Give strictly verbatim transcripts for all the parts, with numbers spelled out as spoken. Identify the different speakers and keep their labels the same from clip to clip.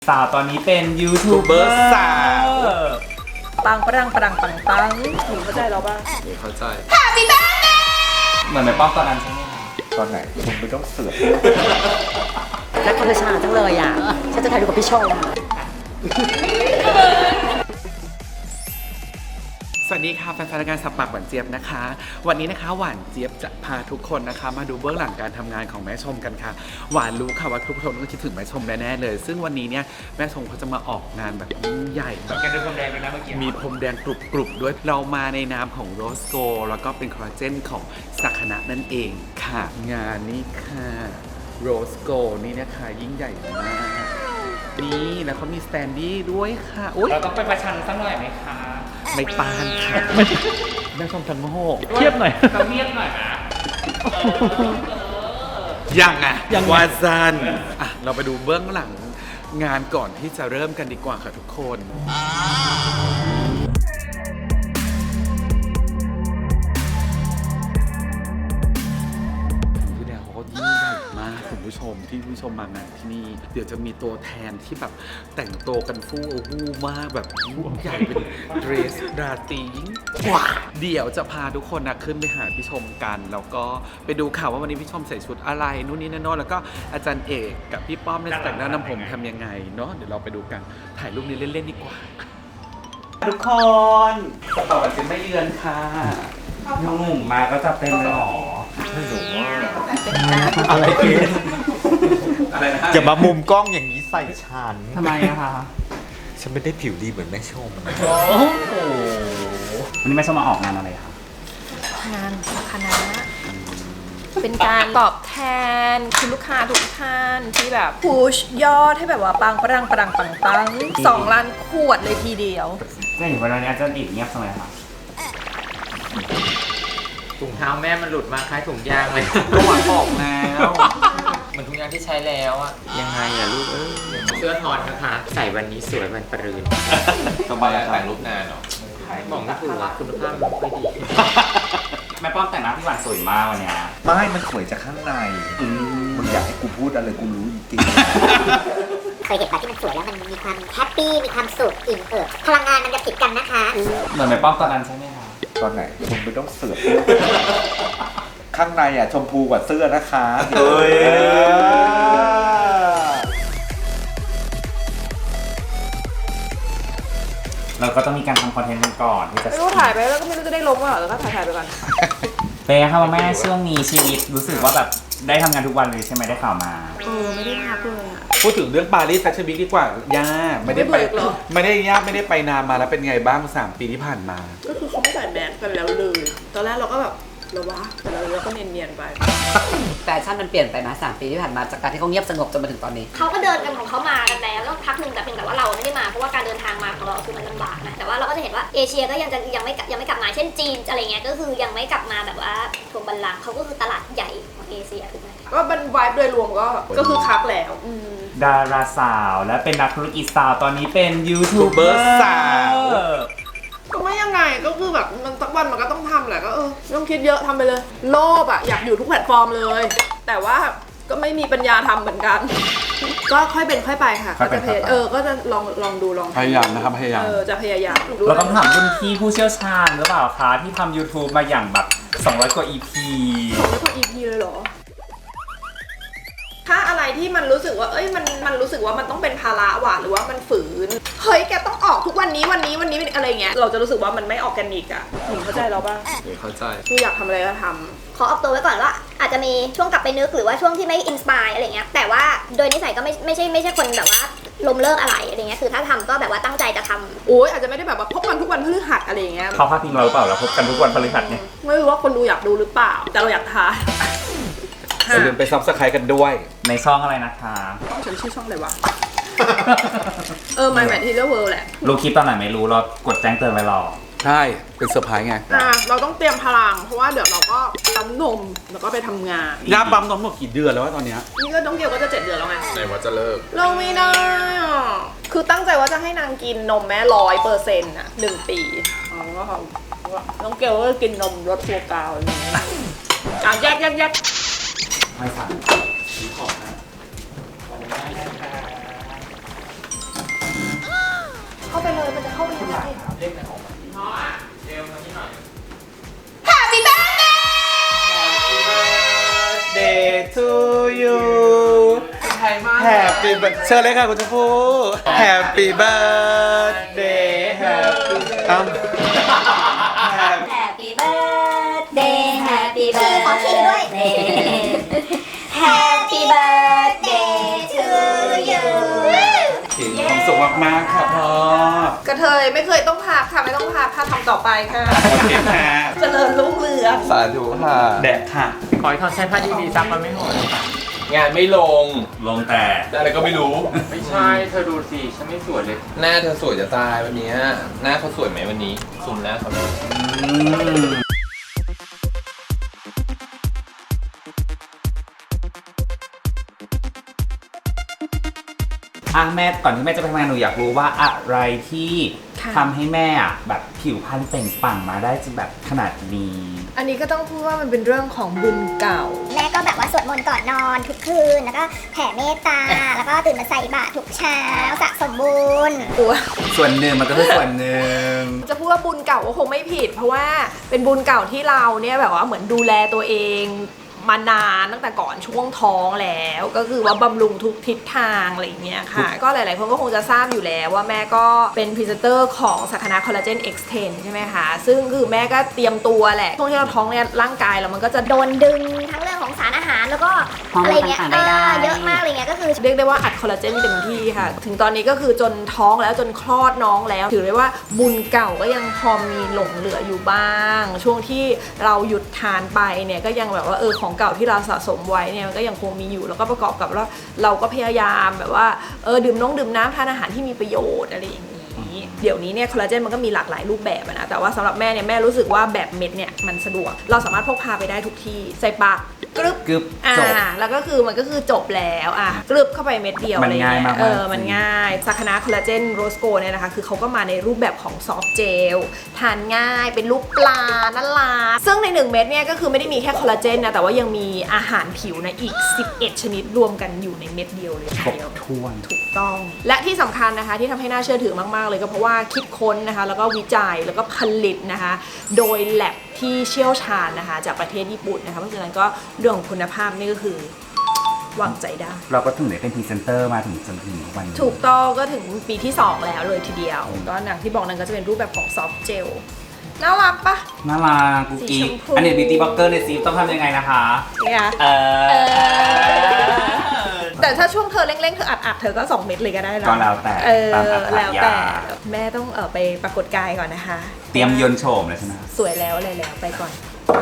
Speaker 1: สาวตอนนี้เป็นยูทูบเบอร์สาว
Speaker 2: ปังปรังปรังปังปังหนูเข้าใจเราป่ะ
Speaker 3: หนูเข้าใจ
Speaker 1: เหมือนแม่ป้อมตอนนั้นใช่ไหมคะ
Speaker 3: ตอนไหนผมไม่ต้องเสือก
Speaker 2: รักธรรมชาติจังเลยอ่ะฉันจะถ่ายรูปกับพี่ชม
Speaker 3: สวัสดีค่ะแฟนๆรายการสับปากหวานเจี๊ยบนะคะวันนี้นะคะหวานเจี๊ยบจะพาทุกคนนะคะมาดูเบื้องหลังการทำงานของแม่ชมกันค่ะหวานรู้ค่ะว่าทุกคนต้องคิดถึงแม่ชมแน่ๆเลยซึ่งวันนี้เนี่ยแม่ชมเขาจะมาออกงานแบบยิ่งใหญ่แบบ
Speaker 1: แกดูพรมแดงเลยนะเมื่อกี้
Speaker 3: มีพรมแดงกรุบๆด้วยเรามาในนามของโรสโกแล้วก็เป็นคอลลาเจนของสักนะนั่นเองค่ะงานนี้ค่ะโรสโกนี่นะคะยิ่งใหญ่มากนี่แล้วเขามีสแตนดี้ด้วยค่ะ
Speaker 1: เราต้องไปประชันสักหน่อยไหมคะ
Speaker 3: ไม่ปานค่ะแม่ชมทั้งโง่
Speaker 1: เทียบหน่อยต้องเทียบหน่อยนะ
Speaker 3: ยังไงวาซันอ่ะเราไปดูเบื้องหลังงานก่อนที่จะเริ่มกันดีกว่าค่ะทุกคนพี่แดงเขาก็ยิ่งใหญ่มากคุณผู้ชมที่ผู้ชมมางานที่นี่เดี๋ยวจะมีตัวแทนที่แบบแต่งตัวกันฟู่ฟู่มากแบบยิ่งใหญ่เป็นเดรสราตรียิ่งกว่าเดี๋ยวจะพาทุกคนนะขึ้นไปหาพี่ชมกันแล้วก็ไปดูข่าวว่าวันนี้พี่ชมใส่ชุดอะไรนู่นนี่นั่นโน้นแล้วก็อาจารย์เอกกับพี่ป้อมในแต่งหน้านำผมทำยังไงเนาะเดี๋ยวเราไปดูกันถ่ายรูปนี้เล่นๆดีกว่าทุกคนต่อไปจะไม่เยือนค่ะ
Speaker 1: น้องหนุ่มมาก็จะเป็นหรอ
Speaker 3: ไม่รู้ว่าอะไรเกสอะไรนะ
Speaker 4: อย่ามามุมกล้องอย่างนี้ใส่ฉัน
Speaker 1: ทำไมอะคะ
Speaker 4: ฉันไม่ได้ผิวดีเหมือนแม่ชม
Speaker 1: โอ้โหวันนี้แม่ชมมาออกงานอะไรคะ
Speaker 2: งานคณะเป็นการตอบแทนคุณลูกค้าทุกท่านที่แบบพุชยอดให้แบบว่าปังปรังปรังปังปังสองล้านขวดเลยทีเดียว
Speaker 1: ก็เห็นวันนี้อาจารย์อีกเงียบทำไมคะ
Speaker 5: ถุงเท้าแม่มันหลุดมาคล้ายถุงยางเลย
Speaker 3: ก็หวานบอกแล้ว
Speaker 5: เหมือนถุงยางที่ใช้แล้วอะยังไงอะลูกเอ้ยเสื้อทอนนะคะใส่วันนี้สวยวันปรืน
Speaker 3: สบายถ่ายรูปนานเหรอ
Speaker 5: บอกไม่ถูกอะคุณภาพมันไม่ดี
Speaker 1: แม่ป้อมแต่งหน้าพี่หวานสวยมากวันนี้
Speaker 4: ไม่มันสวยจากข้างในมึงอยากให้กูพูดอะไรกูรู้จริง
Speaker 6: เคยเห็นปะที่มันสวยแล้วมันมีความแฮปปี้มีความสุขอิ่มเอิบพลังงานมันจะติดกันนะคะ
Speaker 1: เหมือนแม่ป้อมตอนนั้นใช่ไหมคะ
Speaker 4: ตอนไหนผมไม่ต้องเสือกข้างในอ่ะชมพูกว่าเสื้อนะคะ
Speaker 1: เฮ้ยเราก็ต้องมีการทำคอนเทนต์กันก่อนที่จะ
Speaker 2: ไม่รู้ถ่ายไปแล้วก็ไม่รู้จะได้ลงหรือเปล่าแล้วก็ถ่ายถ่ายไปก่อน
Speaker 1: เป็นไงครับแม่ช่วงนี้ชีวิตรู้สึกว่าแบบได้ทำงานทุกวันเลยใช่ไหมได้ข่าวมา
Speaker 2: เออไม่ได้พักเลยอ่ะ
Speaker 3: พูดถึงเรื่องปารีสแฟชั่นวีคดีกว่าย่าไม่ได้ไปไม่ได้ย่าไม่ได้ไปนานมาแล้วเป็นไงบ้างสามปีที่ผ่านมา
Speaker 2: ก็คือเขาไม่ใส่แมสกันแล้วเลยตอนแรกเราก็แบบเราวะแต่เราเราก็เนียนๆไป
Speaker 7: แฟชั่นมันเปลี่ยนไปนะสามปีที่ผ่านมาจากการที่เขาเงียบสงบจนมาถึงตอนนี้
Speaker 6: เขาก็เดินกันของเขามากันแล้วแล้วพักหนึ่งแต่เพียงแต่ว่าเราไม่ได้มาเพราะว่าการเดินทางมาของเราคือมันลำบากนะแต่ว่าเราก็จะเห็นว่าเอเชียก็ยังจะยังไม่ยังไม่กลับมาเช่นจีนอะไรเงี้ยก็คือยังไม่กลับมาแบบว่าทวงบัลลังก์เขาก็คือตลาดใหญ่ของเอเชียถูกไหม
Speaker 2: ก็เป็นวายโดยรวมก็ก็คือคักแล้ว
Speaker 1: ดาราสาวและเป็นนักธุรกิจสาวตอนนี้เป็นยูทูบเบอร์สาว
Speaker 2: ก็ไม่ยังไงก็คือแบบมันสักวันมันก็ต้องทำแหละก็เออไม่ต้องคิดเยอะทำไปเลยโลภอ่ะอยากอยู่ทุกแพลตฟอร์มเลยแต่ว่าก็ไม่มีปัญญาทำเหมือนกันก็ค่อยเป็นค่อยไปค่ะก็จะเออก็จะลองลองดูลอง
Speaker 3: พยายามนะครับพยายาม
Speaker 2: เออจะพยายาม
Speaker 1: เราต้องถามรุ่นพี่ผู้เชี่ยวชาญหรือเปล่าคะที่ทำ YouTube มาอย่างแบบสองร้อยกว่า อี พี
Speaker 2: สองร้อยกว่า อี พี เลยเหรอถ้าอะไรที่มันรู้สึกว่าเอ้ยมันมันรู้สึกว่ามันต้องเป็นภาระว่ะหรือว่ามันฝืนเฮ้ยแกต้องออกทุกวันนี้วันนี้วันนี้อะไรเงี้ยเราจะรู้สึกว่ามันไม่ออร์แกนิกอ่ะหนูเข้าใจเราป่ะ
Speaker 3: เข้าใจ
Speaker 2: คืออยากทำอะไรก็ท
Speaker 6: ำขอออกตัวไว้ก่อนว่าอาจจะมีช่วงกลับไปนึกหรือว่าช่วงที่ไม่อินสปายอะไรเงี้ยแต่ว่าโดยนิสัยก็ไม่ไม่ใช่ไม่ใช่คนแบบว่าล้มเลิกอะไรอะไรเงี้ยคือถ้าทำก็แบบว่าตั้งใจจะทำ
Speaker 2: โอ้ยอาจจะไม่ได้แบบว่าพบกันทุกวันพฤหัสอะไรเงี้ย
Speaker 1: เขาพาดพิงเราหรือเปล่าเราพบกันทุกวันพฤหัสเนี่ย
Speaker 2: ไม่รู้ว่าคนดูอยากดูหรือเปล่าแต่เราอยากทาย
Speaker 3: อย่าลืมไปซับสไครต์กันด้วย
Speaker 1: ในช่องอะไรนะคะ
Speaker 2: ช่องฉันชื่อช่องอะไรวะเออ My Material World แหละ
Speaker 1: รู้คลิปตอนไหนไม่รู้เรากดแจ้งเตือนไว้รอ
Speaker 3: ใช่เป็นเซอร์ไพรส์ไง
Speaker 2: อ่าเราต้องเตรียมพลังเพราะว่าเดี๋ยวเราก็ปั๊มนมแล้วก็ไปทำงาน
Speaker 3: ย่าปั๊มนมหมดกี่เดือนแล้ววะตอนนี้
Speaker 2: นี่ก็ต้องเกี่ยวก็จะเจ็ดเดือนแล้วไง
Speaker 3: ไหนว่าจะเลิก
Speaker 2: เราไม่ได้อ่ะคือตั้งใจว่าจะให้นางกินนมแม่ร้อยเปอร์เซ็นต์อ่ะหนึ่งปีอ๋อก็ต้องเกี่ยวก็กินนมรสตัวกาวอะไรอย่างเงี้ยอ่ะแยกแยกแยก
Speaker 1: ไม่สั่งซื้อของนะ
Speaker 2: มันจะเข้าไปยังไง
Speaker 5: เรียกในของมันพ่ออ่ะเร็วมาที่หน่อย
Speaker 2: Happy birthday
Speaker 3: Day to you Happy birthday เชิญเลยค่ะคุณชมพู่ Happy birthday Happy อ้าว
Speaker 6: Happy birthday Happy birthday ขอขี้ด้วย Happy birthday to you
Speaker 3: มีความสุขมากๆค่ะพ่อก
Speaker 2: ระเทยไม่เคยต้องพักค่ะไม่ต้องพักค่ะทำต่อไปค่ะ
Speaker 3: โอเคค่ะ
Speaker 2: เจริญรุ่งเรือง
Speaker 4: สาธุค่ะ
Speaker 3: แดดค่ะ
Speaker 5: ขอให้เขาใช้ผ้าดีๆซักมันไม่หด
Speaker 8: งานไม่ลง
Speaker 1: ลงแต่
Speaker 8: อะไรก็ไม่รู้
Speaker 5: ไม่ใช่ เธอดูสิ ฉันไม่สวยเลย
Speaker 8: หน้าเธอสวยจะตายวันนี้หน้าเขาสวยไหมวันนี้ซุมหน้าเขา
Speaker 1: อ่ะแม่ก่อนที่แม่จะไปทำงานหนูอยากรู้ว่าอะไรที่
Speaker 2: ค่ะ
Speaker 1: ทำให้แม่อ่ะแบบผิวพรรณเปล่งปลั่งมาได้จนแบบขนาดนี้
Speaker 2: อันนี้ก็ต้องพูดว่ามันเป็นเรื่องของบุญเก่า
Speaker 6: แม่ก็แบบว่าสวดมนต์ก่อนนอนทุกคืน แล้วก็แผ่เมตตา แล้วก็ตื่นมาใส่บาตรทุกเช้าสะสมบุญ
Speaker 2: ตัว
Speaker 1: ส่วนหนึ่งมันก็คือส่วนหนึ่ง
Speaker 2: จะพูดว่าบุญเก่าก็คงไม่ผิด เพราะว่าเป็นบุญเก่าที่เราเนี่ยแบบว่าเหมือนดูแลตัวเองมานานตั้งแต่ก่อนช่วงท้องแล้วก็คือว่าบำรุงทุกทิศทางอะไรอย่างเงี้ยค่ะ ก็หลายๆคนก็คงจะทราบอยู่แล้วว่าแม่ก็เป็นพรีเซนเตอร์ของสักนาคอลลาเจน เอ็กซ์ เท็น ใช่ไหมคะซึ่งคือแม่ก็เตรียมตัวแหละช่วงที่เราท้องเนี่ยร่างกายเรามันก็จะ
Speaker 6: โดนดึงทั้งเรื่องของสารอาหารแล้วก็
Speaker 7: ฮอร์โมน
Speaker 6: อะไรเงี้ย
Speaker 7: ต่างๆได้
Speaker 6: เออเยอะมากอะไรเงี้ยก็คือ
Speaker 2: เรียกได้ว่าอัดคอลลาเจนเต็มที่ค่ะ ถึงตอนนี้ก็คือจนท้องแล้วจนคลอดน้องแล้ว ถือได้ว่าบุญเก่าก็ยังพอมีหลงเหลืออยู่บ้าง ช่วงที่เราหยุดทานไปเนี่ยก็ยังแบบว่าเออของเก่าที่เราสะสมไว้เนี่ยมันก็ยังคงมีอยู่แล้วก็ประกอบกับว่าเราก็พยายามแบบว่าเออดื่มน้องดื่มน้ำทานอาหารที่มีประโยชน์อะไรอย่างนี้เดี๋ยวนี้เนี่ยคอลลาเจนมันก็มีหลากหลายรูปแบบอะนะแต่ว่าสำหรับแม่เนี่ยแม่รู้สึกว่าแบบเม็ดเนี่ยมันสะดวกเราสามารถพกพาไปได้ทุกที่ใส่ปากกรึบ
Speaker 1: กึบ
Speaker 2: อ่า
Speaker 1: จบ
Speaker 2: แล้วก็คือมันก็คือจบแล้วอ่ะกรึบเข้าไปเม็ดเดียว
Speaker 1: มัน
Speaker 2: อะไร
Speaker 1: ง่าย
Speaker 2: เงี้
Speaker 1: มาก
Speaker 2: ย
Speaker 1: ๆ
Speaker 2: เออมันง่ายสักนาคอลลาเจนโรสโกเนี่ยนะคะคือเขาก็มาในรูปแบบของซอฟต์เจลทานง่ายเป็นรูปปลานั่นล่ะซึ่งในหนึ่งเม็ดเนี่ยก็คือไม่ได้มีแค่คอลลาเจนนะแต่ว่ายังมีอาหารผิวนะอีกสิบเอ็ดชนิดรวมกันอยู่ในเม็ดเดียวเลยที
Speaker 1: ครบ
Speaker 2: เดียว
Speaker 1: ถ้วน
Speaker 2: ถูกต้องและที่สำคัญนะคะที่ทำให้น่าเชื่อถือมากๆเลยก็เพราะว่าคิดค้นนะคะแล้วก็วิจัยแล้วก็ผลิตนะคะโดยแลบที่เชี่ยวชาญนะคะจากประเทศญี่ปุ่นนะคะเพราะฉะนั้นก็เรื่องของคุณภาพนี่ก็คือวางใจได้
Speaker 1: เราก็ถึงได้เป็นพรีเซนเตอร์มาถึงจนถึงวันนี้
Speaker 2: ถูกต้องก็ถึงปีที่สองแล้วเลยทีเดียวก็อย่างที่บอกนั้นก็จะเป็นรูปแบบของซอฟต์เจลน่ารักปะ
Speaker 1: น่ารักกุ๊กกิ๊ก
Speaker 2: สีชมพู
Speaker 1: อันนี้บิวตี้บล็อกเกอร์ในซีต้องทำยังไงนะคะ
Speaker 2: เนี่ย
Speaker 1: เออ
Speaker 2: แต่ถ้าช่วงเธอเร่งๆเธออัดๆเธอก็สองเม็ดเลยก็ได้นะ
Speaker 1: ก็แล้วแต่
Speaker 2: เออ
Speaker 1: ตามอัตรายา
Speaker 2: แล้วแต่แม่ต้องเออไปปรากฏกายก่อนนะคะ
Speaker 1: เตรียมยนต์โฉมเลยใช่ไหม
Speaker 2: สวยแล้วอะไรแล้วไปก่อน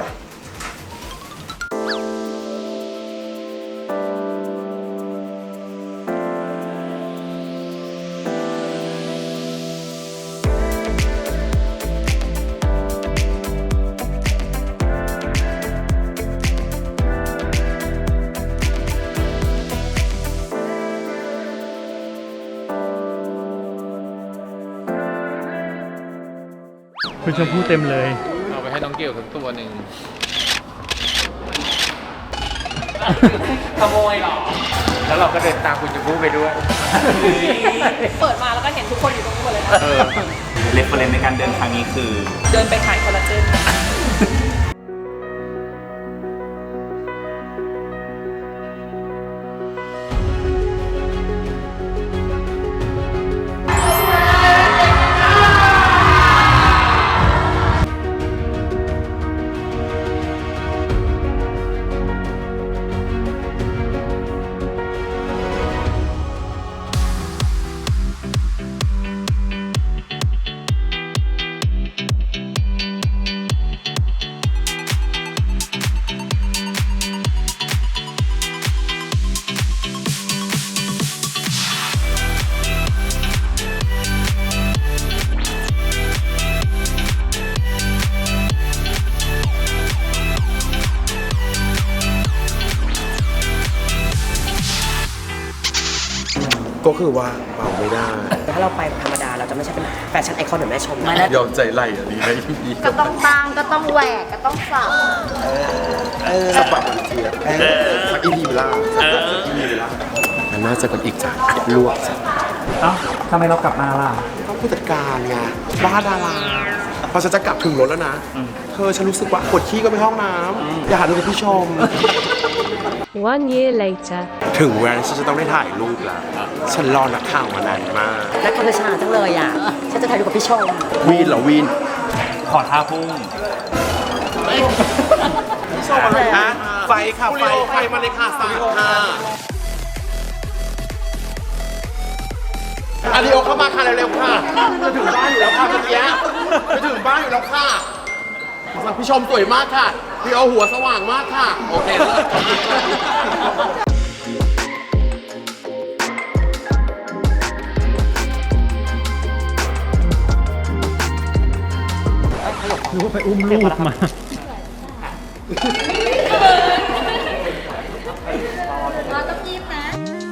Speaker 9: คุณชมพู่เต็มเลย
Speaker 5: เอาไปให้น้องเกี่ยวสักตัวหนึ่ง
Speaker 1: ขโมยหรอ
Speaker 5: แล้วเราก็เดินตามคุณจะพูดไปด้วย
Speaker 2: เปิดมาแล้วก็เห็นทุกคนอยู่ตรงนี้หมดเลยนะ
Speaker 1: เออเรฟเฟอเรนซ์ในการเดินครั้งนี้คือ
Speaker 2: เดินไปขายคอลลาเจน
Speaker 3: ก็คือว่าเบาไม่ได้
Speaker 7: ถ้าเราไปธรรมดาเราจะไม่ใช่เป็นแฟชั่นไอคอนเหมือนแม่ชมนะ
Speaker 3: ยอมใจไหลอันนี้ได้ดี
Speaker 6: ก็ต้องตั้งก็ต้องแหวกก็ต้องสับ
Speaker 3: สปัดอีกทีอะสักอีพีเวลาสักอีพีเวลามันน่าจะกันอีกจ้ะลวกจ้ะ
Speaker 1: เอ้าทำไมเรากลับมาล่ะ
Speaker 7: ก็
Speaker 10: ผู้จัดการไงบ้าดาราพอฉันจะกลับถึงรถแล้วนะเธอฉันรู้สึกว่าปวดขี้ก็ไปห้องน้ำอย่าหาดูกับพี่ชม
Speaker 11: One year later
Speaker 10: ถึงเวลาฉันจะต้องได้ถ่ายรูปแล้วฉันรอนักข่าวมานานมาก
Speaker 7: แล้วก็เธอช้าจังเลยอ่ะ ฉันจะถ่ายรูปกับพี่ชม
Speaker 10: วีนเหรอวีน
Speaker 1: ขอท่าพุ่ง
Speaker 10: พี่ชมอะไรฮะไฟค่ะไฟไฟมาเลยค่ะสายค่ะอาริโอเข้ามาค่ะเร็วๆค่ะจะถึงบ้านอยู่แล้วค่ะเมื่อกี้จะถึงบ้านอยู่แล้วค่ะพี่ชมสวยมากค่ะพี่เอาหัวสว่างมากค่ะโอเคเลยขอบคุณค่ะ
Speaker 9: หรือว่าไปอุ้มลูกมา
Speaker 6: เราต้องยิ้มนะ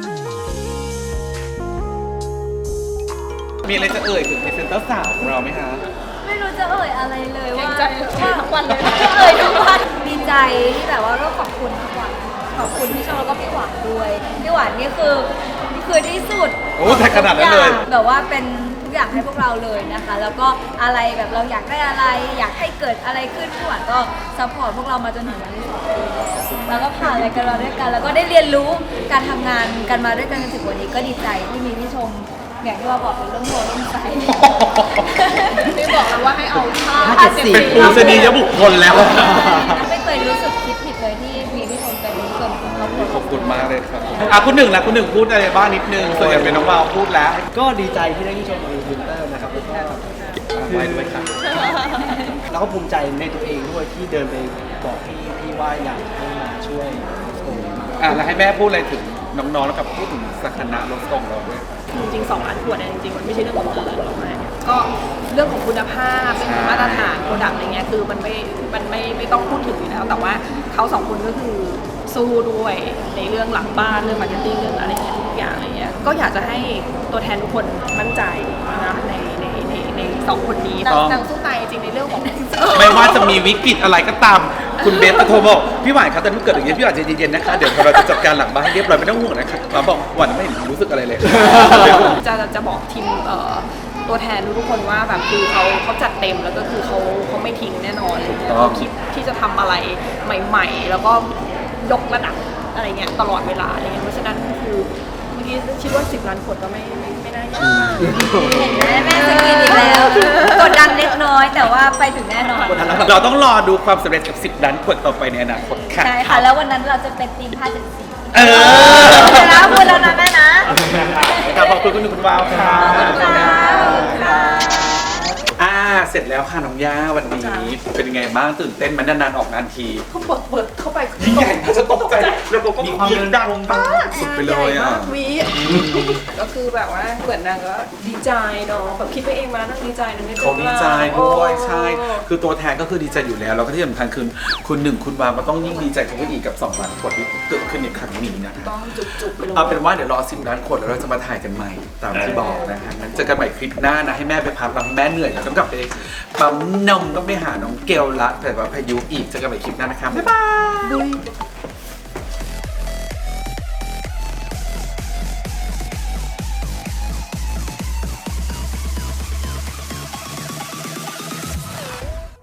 Speaker 3: มีอะไรจะเอ่ยถึงพรีเซนเตอร์สาวของเราไหมคะ
Speaker 6: ไม่รู้จะเอ่ยอะไรเลยว่า
Speaker 2: ใจว่าทั้งวันเลย
Speaker 6: เอ่ยทุกวันดีใจที่แบบว่าก็ขอบคุณทุกวันขอบคุณพี่ชมแล้วก็พี่หวานด้วยพี่หวานนี่คือคือที่สุด
Speaker 3: โอ้แต่ขนาดนั้นเลย
Speaker 6: แบบว่าเป็นทุกอย่างให้พวกเราเลยนะคะ แล้วก็อะไรแบบเราอยากได้อะไร อยากให้เกิดอะไรขึ้นพี่หวานก็ซัพพอร์ตพวกเรามาจนถึงวันที่สองปีแล้วแล้วก็ผ่านอะไรกันมาด้วยกัน แล้วก็ได้เรียนรู้การทำงานกันมาด้วยกันจนถึงวันนี้ก็ดีใจที่มีพี่ชมอย่างที่ว่าบอกเป็นเรื่องโทรเรื่องใจ
Speaker 2: ไม่บอกเลยว่าให้เอาผ้า
Speaker 7: ผ้าเจ็ดสี
Speaker 3: เป็นปูชนียบุคคลแล้ว
Speaker 6: ไม่เคยรู้สึกคิดผิดเลยที่มีพี่ชมเป็นส่วนของครอบครัว
Speaker 3: ขอบคุณมากเลยครับอ่ะคุณหนึ่งละคุณหนึ่งพูดอะไรบ้างนิดนึงส่วนใหญ่เป็นน้องวาวพูดแล้ว
Speaker 9: ก็ดีใจที่ได้ที่ชมกับวินเตอร์นะครับแล้วก็
Speaker 3: ไว้ด้วยค่ะ
Speaker 9: แล้วก็ภูมิใจในตัวเองด้วยที่เดินไปบอกพี่พี่ว่าอยากให้มาช่วยตรงนี้มา
Speaker 3: อ่ะแล้วให้แม่พูดอะไรถึงน้องๆแล้วกับพูดถึงสถานะรถส่งเราด้วย
Speaker 2: จริงๆสองล้านขวดเนี่ยจริงๆมันไม่ใช่เรื่องของเงินหรอกนะก็เรื่องของคุณภาพเรื่องของมาตรฐานโปรดักต์อะไรเงี้ยคือมันไม่มันไม่ไม่ต้องพูดถึงอยู่แล้ว แต่ว่าเขาสองคนก็คือสู้ด้วยในเรื่องหลังบ้านเรื่องมาร์เก็ตติ้งเรื่องอะไรเงี้ยทุกอย่างอะไรเงี้ยก็อยากจะให้ตัวแทนทุกคนมั่นใจนะในในในในสองคนนี้
Speaker 3: ต้อง
Speaker 2: นางสู้ตายจริงในเรื่องของ
Speaker 3: ไม่ว่าจะมีวิกฤตอะไรก็ตาม คุณเบสก็โทรบอกพี่หวานครับตอนนี้เกิดอย่างนี้พี่หวานใจเย็นๆนะคะเดี๋ยวเราจะจัดการหลังบ้านให้เรียบร้อยไม่ต้องห่วงนะคะเราบอกหวานไม่เห็นรู้สึกอะไรเลย
Speaker 2: จะจะบอกทีมเอ่อตัวแทนทุกคนว่าแบบคือเขาเขาจัดเต็มแล้วก็คือเขาเขาไม่ทิ้งแน่นอนอะไรเงี้ยเขาคิดที่จะทำอะไรใหม่ ๆ แล้วก็ยกระดับอะไรเงี้ยตลอดเวลาอะไรเงี้ยเพราะฉะนั้นคือเมื่อกี้คิดว่าสิบล้านขวดก็ไม่ไม่ไม่น่ายากมาก
Speaker 6: เห็นไหมแม่สกินอีกแล้วกดดันเล็กน้อยแต่ว่าไปถึงแน่นอน
Speaker 3: เราต้องรอดูความสำเร็จกับสิบล้านขวดต่อไปในอนาคตค่ะ
Speaker 6: ใช่ค่ะ แล้ววันนั้นเราจะเป็นทีมผ้าเจ็ดสี
Speaker 3: เออ
Speaker 6: แล้วพูดแล้วนะแม่นะ
Speaker 3: ครับขอบคุณคุณหนึ่งคุณวาวค่ะ
Speaker 6: ขอบคุณค่ะขอบคุณค่ะ
Speaker 3: อ่าเสร็จแล้วค่ะน้องย่าวันนี้เป็นยังไงบ้างตื่นเต้นไหมันนานๆออกงานที
Speaker 2: เขาเปิดเปิดเข้าไป
Speaker 3: ยิ่งใหญ่น่าจะตกใจแล้วก็มีความดังมากสุดไปเลยอ่ะ
Speaker 2: วีก็คือแบบว่าเหมือนนางก็ดีใจเนาะแบบคิดไปเองมานั่งดีใจนะเนี่ย
Speaker 3: เขาดีใจด้วยใช่ คือตัวแทนก็คือดีใจอยู่แล้วแล้วก็ที่สำคัญคือคุณหนึ่งคุณวาวก็ต้องยิ่งดีใจเข้าไปอีกกับสองล้านขวดที่เกิดขึ้นในครั้งนี้นะคะ
Speaker 2: ต้องจุกๆไปเลย
Speaker 3: เอาเป็นว่าเดี๋ยวรอสิบล้านขวดแล้วเราจะมาถ่ายกันใหม่ตามที่บอกนะฮะงั้นเจอกันใหม่คลิปหน้านะให้แม่ไปพักบางแม่เหนื่อยแล้วต้องกลับไปปั๊มนมต้องไปหาน้องเกลละแต่ว่าพายุอีกเจอกันใหม่คลิปหน้านะคะบ๊ายบาย